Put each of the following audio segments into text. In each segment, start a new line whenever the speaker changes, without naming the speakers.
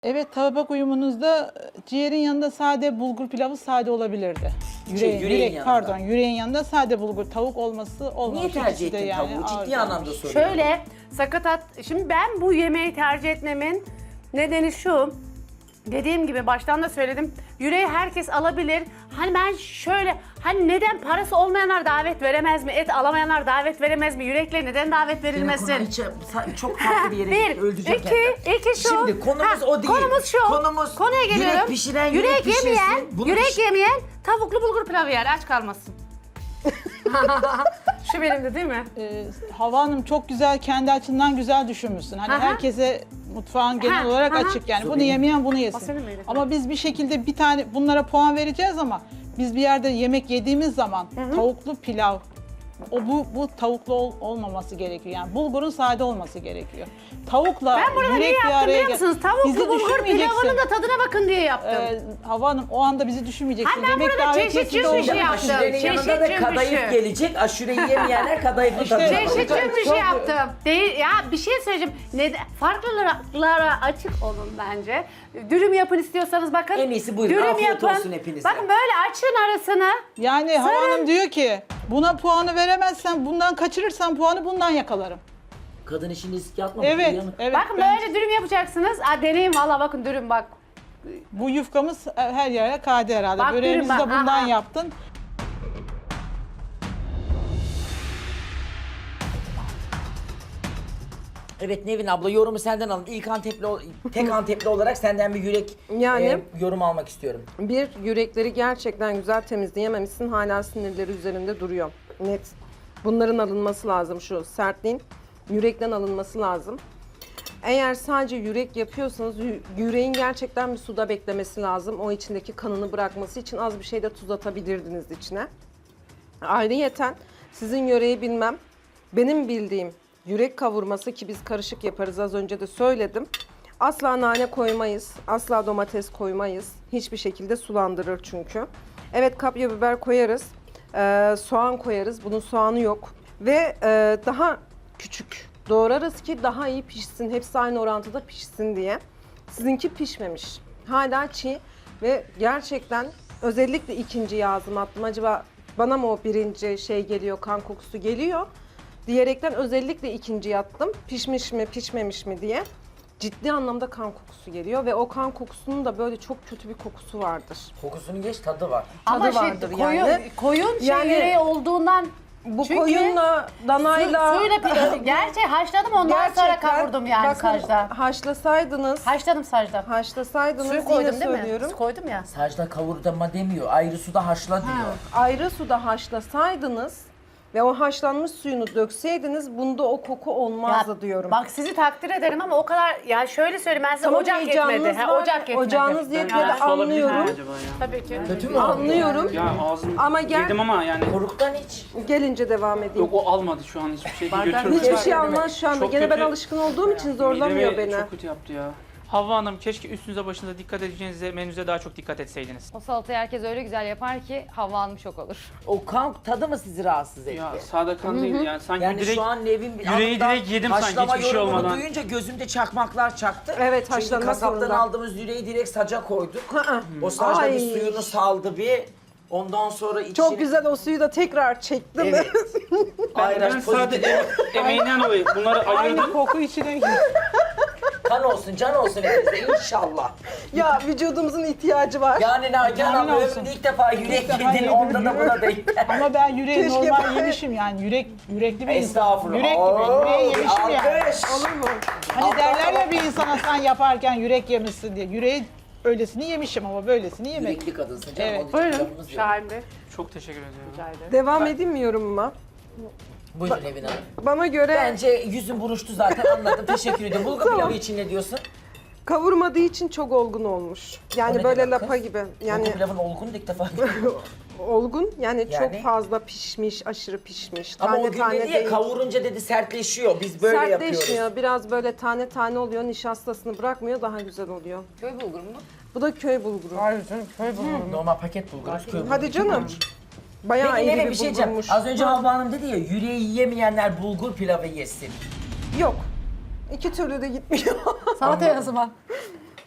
Evet, tabak uyumunuzda ciğerin yanında sade bulgur pilavı sade olabilirdi.
Yüreğin yanında.
Pardon, yüreğin yanında sade bulgur tavuk olması olmamış.
Niye tercih
İkisi de
ettin tavuğu?
ağır
Ciddi anlamda
gelmiş.
soruyorum.
Şöyle sakatat. Şimdi ben bu yemeği tercih etmemin nedeni şu. Dediğim gibi baştan da söyledim. Yüreği herkes alabilir. Hani ben şöyle hani neden parası olmayanlar davet veremez mi? Et alamayanlar davet veremez mi? Yürekle neden davet verilmesin?
Konu hiç, çok farklı bir yere
Bir,
gitti. Öldüreceğim
iki şu.
Şimdi konumuz o değil.
Konumuz şu.
Konumuz
Konuya geliyorum.
yürek pişiren
yürek
pişirsin.
yemeyen,
Bunu
yürek yemeyen tavuklu bulgur pilavı yer. Aç kalmasın. Şu benim de değil mi?
Hava Hanım çok güzel, kendi açından güzel düşünmüşsün. Hani
Aha.
herkese mutfağın genel
Ha,
olarak
aha.
açık yani.
Su
Bunu
benim.
yemeyen bunu
O
yesin.
senin miydi?
Ama biz bir şekilde bir tane bunlara puan vereceğiz ama biz bir yerde yemek yediğimiz zaman tavuklu pilav bu tavuklu olmaması gerekiyor. Yani bulgurun sade olması gerekiyor. Tavukla
Ben burada
yürek
niye
bir
yaptım
araya
biliyor musunuz? Tavuklu bulgur
düşünmeyeceksin.
pilavının da tadına bakın diye yaptım.
Hava Hanım o anda bizi düşünmeyeceksin.
Ha, ben burada
davetiyesinde
çeşit
olduğu
bir şey
için-
yaptım.
Aşurenin yanında da
Çeşit
kadayıf
cümbüşü.
gelecek. Aşureyi yemeyenler kadayıfın tadına
İşte-
bakacak.
Çeşit bir
Çok-
şey yaptım. Değil ya, bir şey söyleyeceğim. Neden? Farklılara açık olun bence. Dürüm yapın istiyorsanız bakın.
En iyisi buyurun. Afiyet olsun hepinize.
Bakın böyle açın arasını.
Yani Hava Hanım diyor ki buna puanı veremezsen, bundan kaçırırsan puanı bundan yakalarım.
Kadın işini riske atmamış.
Evet,
uyanık.
evet.
Bakın
ben-
böyle dürüm yapacaksınız. Deneyin valla bakın dürüm bak.
Bu yufkamız her yere kaydı herhalde.
Bak
Böreğimizi
dürüm
de
bak,
bundan
aha.
yaptın.
Evet Nevin abla yorumu senden alın. İlk tek Antepli olarak senden bir yürek
Yani-
yorum almak istiyorum.
Bir, yürekleri gerçekten güzel temizleyememişsin. Hala sinirleri üzerinde duruyor. Net. Bunların alınması lazım, şu sertliğin. Yürekten alınması lazım. Eğer sadece yürek yapıyorsanız yüreğin gerçekten bir suda beklemesi lazım. O içindeki kanını bırakması için az bir şey de tuz atabilirdiniz içine. Ayrıyeten sizin yöreyi bilmem. Benim bildiğim yürek kavurması, ki biz karışık yaparız, az önce de söyledim. Asla nane koymayız, asla domates koymayız. Hiçbir şekilde sulandırır çünkü. Evet, kapya biber koyarız, soğan koyarız. Bunun soğanı yok. Ve daha küçük doğrarız ki daha iyi pişsin. Hepsi aynı orantıda pişsin diye. Sizinki pişmemiş. Hala çiğ ve gerçekten özellikle ikinciyi ağzıma attım. Acaba bana mı o birinci şey geliyor, kan kokusu geliyor diyerekten özellikle ikinciyi attım. Pişmiş mi, pişmemiş mi diye. Ciddi anlamda kan kokusu geliyor ve o kan kokusunun da böyle çok kötü bir kokusu vardır.
Kokusunu geç tadı var.
Ama
vardır
koyun,
yani.
koyun şey
Yani-
yüreği olduğundan
Bu
çünkü
koyunla, danayla...
suyla gerçi haşladım ondan sonra
Gerçekten,
kavurdum yani
bakın,
sacda.
Haşlasaydınız,
Haşladım sacda.
haşlasaydınız
Suyu
yine
koydum değil mi?
söylüyorum.
Su koydum ya.
Sacda kavurdama demiyor. Ayrı suda haşla diyor.
Ayrı suda haşlasaydınız ve o haşlanmış suyunu dökseydiniz bunda o koku olmazdı diyorum.
Bak sizi takdir ederim ama o kadar ya şöyle söyleyeyim ben size
Tamam,
ocak
heyecanınız
yetmedi.
var,
Ocak yetmedi.
ocağınız yetmedi,
Su olabilir mi
anlıyorum.
acaba ya?
Tabii ki.
Kötü mü oldu?
Anlıyorum.
Ya ağzım
Ama gel-
yedim ama yani
Koruktan iç.
Gelince devam edeyim.
yok o almadı şu an hiçbir şey
Bardak-
götürdü.
Hiçbir
Fark
şey
edemem.
almaz şu anda.
Çok
Gene ben
kötü.
alışkın olduğum için zorlamıyor
Midemi
beni.
çok kötü yaptı ya. Havva Hanım keşke üstünüze başınıza dikkat edeceğinize menüze daha çok dikkat etseydiniz.
O salatayı herkes öyle güzel yapar ki Havva Hanım şok olur.
O kan tadı mı sizi rahatsız etti?
Ya sade kan değil yani sanki
Yani
direkt
şu an Nevin
yüreği direkt yedim sanki
haşlama
hiçbir şey
yorumunu
olmadan.
duyunca gözümde çakmaklar çaktı.
Evet,
Çünkü
haşlanmak
kasaptan
zorunda.
aldığımız yüreği direkt saca koyduk.
Hı.
O sacda
Ay.
bir suyunu saldı bir. Ondan sonra içine...
Çok güzel, o suyu da tekrar çektim.
Evet.
Ben
Ayraç
sade
pozitif.
emeğinden dolayı bunları
Aynı
ayırdım.
koku içine gir.
Kan olsun, can olsun hepimize inşallah.
Ya vücudumuzun ihtiyacı var.
Yani Nagihan
Amin
abla
olsun.
ömrümde ilk defa yürek
defa
yedin,
yedim.
onda da buna denk geldi.
Ama ben yüreği
Keşke
normal
ben-
yemişim yani. Yürekli bir insan.
Estağfurullah.
Yürek gibi.
Oo,
Yüreği yemişim yani.
alkış.
Olur mu?
Hani derler ya bir insana sen yaparken yürek yemişsin diye. Yüreği öylesini yemişim ama böylesini yemedim.
Yürekli kadınsın canım.
Evet.
onun için
Buyurun.
lafımız yok.
Şahin Bey.
Çok teşekkür ediyorum.
Rica ederim.
Devam edeyim mi yorumuma?
Buyurun Nevin Hanım.
Bana göre
Bence yüzün buruştu zaten anladım. Teşekkür ediyorum. Bulgur pilavı için ne diyorsun?
kavurmadığı için çok olgun olmuş.
O
Yani
ne
böyle
demek
lapa
kız?
gibi.
Bulgur
Yani
pilavın olgun ilk defa.
olgun, yani
Yani?
çok fazla pişmiş, aşırı pişmiş.
Ama
Tane
o gün
tane
dedi ya
değil.
kavurunca dedi sertleşiyor. Biz böyle yapıyoruz.
Sertleşmiyor. Biraz böyle tane tane oluyor. Nişastasını bırakmıyor. Daha güzel oluyor.
Köy bulgur mu?
Bu da köy bulguru.
Normal paket bulgur.
Hadi canım. Bayağı
Peki
iyi
Nevin
bir
bir şey diyeceğim.
bulgurmuş.
Az önce Havva Hanım dedi ya yüreği yiyemeyenler bulgur pilavı yesin.
Yok. İki türlü de gitmiyor.
Salataya o zaman.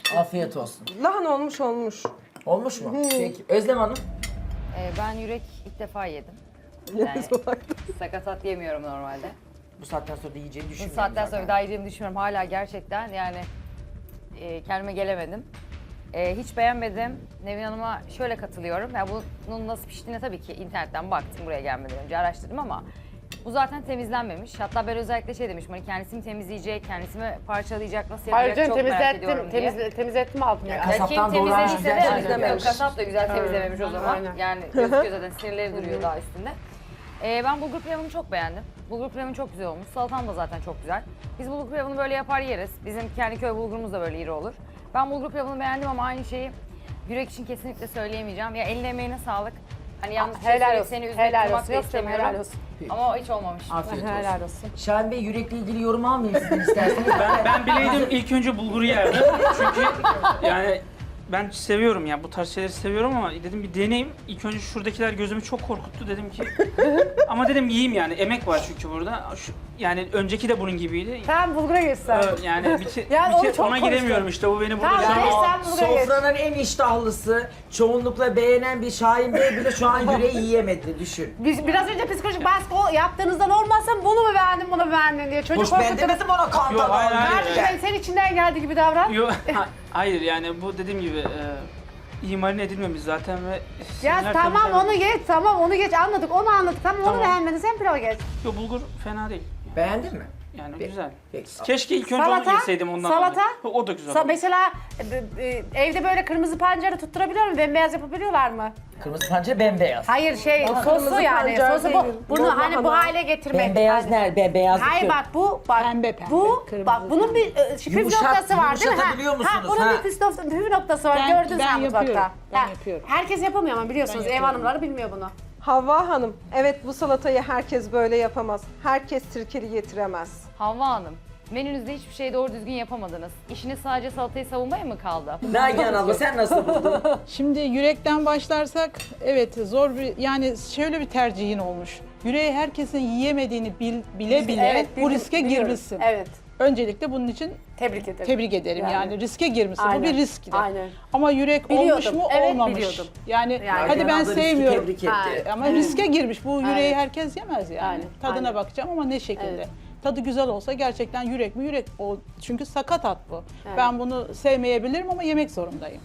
Afiyet olsun.
Lahana olmuş.
Olmuş mu? Peki. Özlem Hanım.
Ben yürek ilk defa yedim. Yani sakatat yemiyorum normalde.
Bu saatten sonra da yiyeceğini
Bu
düşünmüyorum
saatten
zaten.
sonra daha yediğimi düşünmüyorum. Hala gerçekten yani kendime gelemedim. Hiç beğenmedim. Nevin Hanım'a şöyle katılıyorum. Yani bunun nasıl piştiğine tabii ki internetten baktım buraya gelmeden önce araştırdım ama bu zaten temizlenmemiş. Hatta ben özellikle şey demiştim hani kendisi mi temizleyecek, kendisi mi parçalayacak, nasıl
Hayır
yapacak
canım
çok merak ediyorum diye.
temizlettim aldım ya.
Ya Kasaptan
Kim
doğramış
temizlediyse
güzel
de
temizlememiş.
kasap da güzel temizlememiş o zaman.
Aynen.
Yani gözüküyor zaten sinirleri duruyor daha üstünde. Ben bulgur pilavını çok beğendim. Bulgur pilavın çok güzel olmuş. Salatam da zaten çok güzel. Biz bulgur pilavını böyle yapar yeriz. Bizim kendi köy bulgurumuz da böyle iri olur. Ben bulgur pilavını beğendim ama aynı şeyi yürek için kesinlikle söyleyemeyeceğim. Ya eline emeğine sağlık. Hani yanlış bir şey
Helal
söyleyip
olsun.
seni üzmek
Helal
kırmak
olsun.
da
Yok canım,
istemiyorum.
helal olsun.
Ama o hiç olmamış.
Afiyet olsun.
Helal olsun.
Şahin Bey yürekle ilgili yorum almayayım sizden isterseniz.
Ben bileydim ilk önce bulguru yerdim. Çünkü yani ben seviyorum ya bu tarz şeyleri seviyorum ama dedim bir deneyeyim. İlk önce şuradakiler gözümü çok korkuttu dedim ki. Ama dedim yiyeyim yani emek var çünkü burada. Yani önceki de bunun gibiydi.
Tamam bulgura geçsen.
Yani
Yani onu çok
ona giremiyorum işte bu beni burada
Tamam,
şu an-
geç sen bulgura geç.
Sofranın en iştahlısı, çoğunlukla beğenen bir Şahin Bey bile şu an yüreği yiyemedi düşün.
Biz biraz önce psikolojik baskı yaptığınızdan olmazsa bunu mu beğendin, bunu mu beğendin diye çocuk
Hoş ben
korkutup.
demedim ona kan
Yok, hayır,
tabağı.
hayır.
Kardeşim ben senin içinden geldiği gibi davran.
Yok, hayır yani bu dediğim gibi iyi marine edilmemiş zaten ve
Ya
sinirler
tamam
temizlenmemiş.
onu geç, tamam onu geç anladık, onu anladık. Tamam, onu
Tamam.
beğenmedin, sen pilava geç.
Yok bulgur fena değil.
Beğendin mi?
Yani
Peki.
güzel.
Peki.
Keşke ilk önce
Salata,
onu yeseydim ondan.
salata.
dolayı. O da güzel.
Mesela evde böyle kırmızı pancarı tutturabiliyor mu? Bembeyaz yapabiliyorlar mı?
Kırmızı pancar bembeyaz.
Hayır sosu
kırmızı
yani.
pancar
Sosu
değil,
bunu
mor
hani bu
lahana.
hale getirmek.
Bembeyaz
Hani-
nerede? Bembeyaz
Hayır bak bak
Pembe,
bu
kırmızı,
bak bunun bir püf noktası var değil mi?
yumuşatabiliyor musunuz?
bunun bir püf noktası var. Gördün sen mutfakta.
yapıyorum, ben
Ha,
yapıyorum.
Herkes yapamıyor ama biliyorsunuz
Ben
ev
yapıyorum.
hanımları bilmiyor bunu.
Havva Hanım, evet bu salatayı herkes böyle yapamaz. Herkes sirkeli getiremez.
Havva Hanım, menünüzde hiçbir şey doğru düzgün yapamadınız. İşiniz sadece salatayı savunmaya mı kaldı?
Nagihan abla sen nasıl buldun?
Şimdi yürekten başlarsak evet zor bir yani şöyle bir tercihin olmuş. Yüreği herkesin yiyemediğini bile bile bu riske
biliyorum.
girmişsin.
Evet.
Öncelikle bunun için
Tebrik ederim.
tebrik ederim yani, riske girmişsin.
Aynen,
Bu bir riskti.
aynen.
Ama yürek olmuş
Biliyordum,
mu
evet,
olmamış.
biliyordum.
Yani,
Yani
hadi
Nagihan
ben
abla riski
sevmiyorum.
tebrik
Ha.
etti.
Ama riske girmiş. Bu yüreği
Aynen.
herkes yemez yani.
Aynen,
Tadına
aynen.
bakacağım ama ne şekilde.
Evet.
Tadı güzel olsa gerçekten yürek mi yürek o çünkü sakat at bu.
Evet.
Ben bunu sevmeyebilirim ama yemek zorundayım.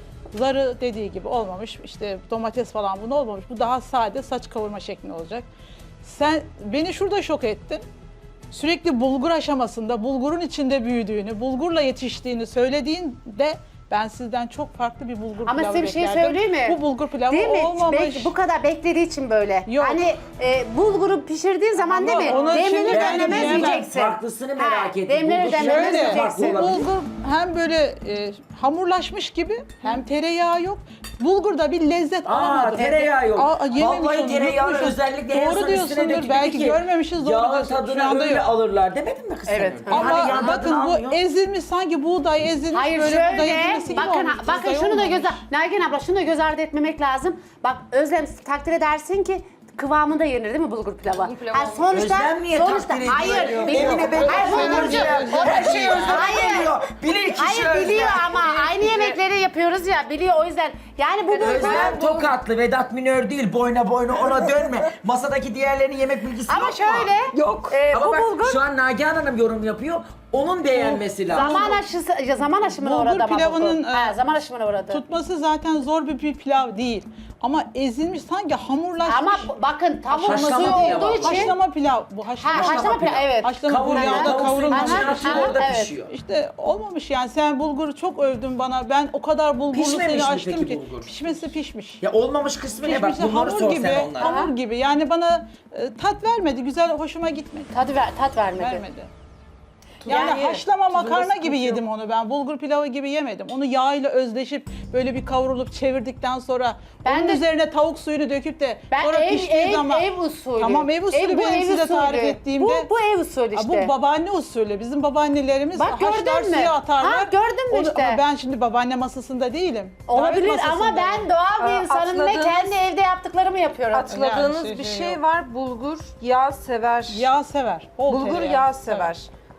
Zarı dediği gibi olmamış. İşte domates falan bunu olmamış. Bu daha sade saç kavurma şeklinde olacak. Sen beni şurada şok ettin. Sürekli bulgur aşamasında, bulgurun içinde büyüdüğünü, bulgurla yetiştiğini söylediğinde ben sizden çok farklı bir bulgur
Ama
pilavı
size bir şey
beklerdim.
söyleyeyim mi?
Bu bulgur pilavı
Değil mi?
olmamış.
Bu kadar beklediği için böyle.
Yok.
Hani bulguru pişirdiğin zaman
Ama
değil mi?
onu
Demlenir
şimdi ben
demlemez
diyemem.
yiyeceksin.
Farklısını merak ettim.
Demlenir
Bulgur
demlemez
şöyle
yiyeceksin.
farklı
Bu
olabilir.
bulgur hem böyle hamurlaşmış gibi hem tereyağı yok. Bulgurda bir lezzet alamadım.
Tereyağı yok.
Yememiş
Vallahi
onu,
tereyağı
unutmuşuz.
özellikle en
Doğru
son üstüne
diyorsundur,
dökülür
belki
ki,
görmemişiz, doğru
yağın
diyorsun. Şu
tadını
anda
öyle
yok.
alırlar demedin mi kız
Evet.
sen?
Ama
Hani yağın
bakın
tadını
bu
almıyor.
ezilmiş sanki buğday ezilmiş
Hayır
böyle buğday
şöyle,
ezilmesi gibi
bakın
olmuş.
bakın
Buğday
şunu da
olmamış.
Nagihan abla şunu da göz ardı etmemek lazım. Bak Özlem takdir edersin ki kıvamında yenir değil mi bulgur pilavı?
Bulgur pilavı
Ha, sonuçta
Özlem niye takdir ediyor?
hayır
diyor?
biliyor.
Emine Bey
Hayır bulgurcu.
her şeyi Özlem
Hayır.
biliyor. Bilir kişi
Hayır
Özlem.
biliyor ama aynı yemekleri yapıyoruz ya biliyor o yüzden. Yani bu
Özlem Tokatlı, Vedat Minör değil, boyna ona dönme. Masadaki diğerlerinin yemek bilgisi
ama
yok mu?
şöyle
Yok. Ama
bu
bak
bulgur
şu an Nagihan Hanım yorum yapıyor. Onun beğenmesi lazım.
zaman aşımına
Bulgur
uğradı ama
pilavının,
bulgur. Ha, zaman aşımına uğradı.
Tutması zaten zor bir pilav değil. Ama ezilmiş sanki hamurlaşmış.
Ama bakın tavuk
Haşlama
suyu
pilavı.
olduğu için.
Haşlama pilav. Bu haşlama,
Haşlama pilav evet.
Haşlama bu
Kavrulmuyor.
yağda
Tavuk suyun
kavrulmamış.
içine
Aha,
atıyor,
aha,
orada
evet.
pişiyor.
İşte olmamış yani. Sen bulguru çok övdün bana. Ben o kadar bulgurlu
Pişmemiş
seni
mi
açtım
peki
ki.
bulgur?
Pişmesi pişmiş.
Ya olmamış kısmı ne? Bak
Pişmesi
bunları
hamur
sor
gibi,
sen onlara.
hamur gibi. Yani bana tat vermedi. Güzel, hoşuma gitmedi.
Tat vermedi.
Vermedi. Yani
Yani
haşlama makarna
sıkıntı
gibi
yok.
yedim onu ben. Bulgur pilavı gibi yemedim. Onu yağ ile özleşip böyle bir kavrulup çevirdikten sonra
Ben
onun
de-
üzerine tavuk suyunu döküp de
Ben
sonra piştiği zaman
ev usulü.
Tamam, ev usulü
bu
benim
ev
size tarif
usulü.
ettiğimde.
Bu ev usulü işte.
Bu babaanne usulü. Bizim babaannelerimiz
Bak, gördün
haşlar
mü?
suya atarlar.
Ha, gördün mü
Onu-
işte?
Ama ben şimdi babaanne masasında değilim.
Olabilir
Davet
ama
masasındayım.
ben doğal bir insanım ve
atladığınız-
kendi evde yaptıklarımı yapıyorum.
Atladığınız
Yani
bir
şey
şey
yok.
var. Bulgur yağ sever.
Yağ sever. Bol
Bulgur
tereyağı
yağ sever.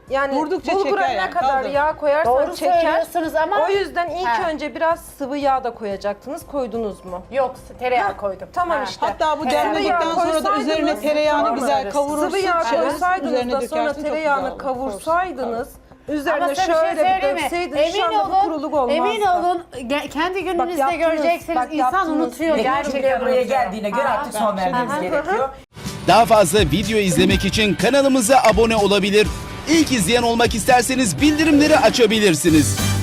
Yani
Vurdukça
bulgura
çeker
ne
yani,
kadar
kaldır.
yağ koyarsan
Doğru
çeker.
söylüyorsunuz ama
O yüzden ilk
He.
önce biraz sıvı yağ da koyacaktınız. Koydunuz mu?
yok, tereyağı koydum.
Tamam
Ha.
işte.
Hatta bu
Tereyağı
demledikten sonra da üzerine
koysaydınız-
tereyağını güzel
Doğru
kavurursun.
Sıvı yağ
şöyle
koysaydınız
üzerine
da sonra
dökersin, çok
tereyağını
güzel olur.
kavursaydınız, üzerine
Ama size bir
şöyle
şey
bir
söyleyeyim mi?
dökseydiniz şu anda bu kuruluk olmazdı.
Emin olun kendi gününüzde
yaptınız,
göreceksiniz
bak
insan
yaptınız.
unutuyor
Gerçekten
gerçekten.
buraya
unutuyor.
geldiğine göre artık son vermemiz gerekiyor.
Daha fazla video izlemek için kanalımıza abone olabilir. İlk izleyen olmak isterseniz bildirimleri açabilirsiniz.